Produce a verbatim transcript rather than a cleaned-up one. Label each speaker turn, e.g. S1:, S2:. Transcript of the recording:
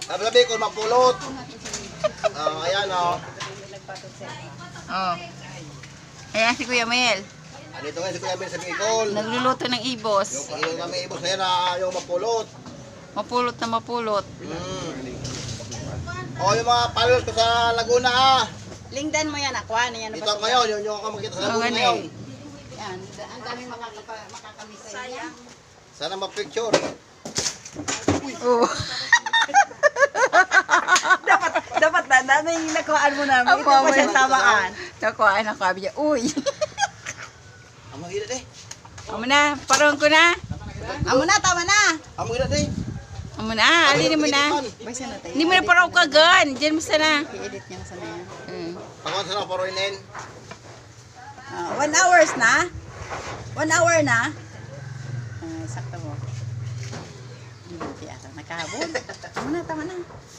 S1: Sabi ko, mapulot. Oh, ayan o.
S2: Oh. Ayan si Kuya Mel.
S1: Andito ngayon si Kuya Mel sa Bicol.
S2: Nagluluto ng ibos.
S1: Yung, yung kami ibos na yan na yung mapulot.
S2: Mapulot na mapulot.
S1: Mm. O yung mga followers ko sa Laguna ah.
S3: Lingdan mo yan, akwa na yan.
S1: Dito ako ngayon, yung, yung ako makita sa Laguna
S2: Oo,
S1: ngayon.
S3: Yan, ang daming makakapa, makakamiss sa inyo.
S1: Sana ma-picture.
S2: Oh.
S3: dapat, dapat na, dami yung nakuhaan mo namin. Ito
S2: Apo,
S3: pa siya
S2: may-
S3: tamaan.
S2: Nakuhaan ako. Sabi niya, uy.
S1: Ang mahirap eh.
S2: Amo na, parang ko na.
S3: Amo na, tama na.
S1: Ang mahirap eh.
S2: Amo na, alin mo na.
S3: Baysa na tayo.
S2: Hindi mo na parang kagan. Diyan mo sana.
S3: I-edit niya na sana yan.
S2: Mm.
S1: Ako sana paro inin.
S3: Ah, one hours na? One hour na? Ah, sakto mo. Hindi, ata. Nakahabol. Tama na, tama na.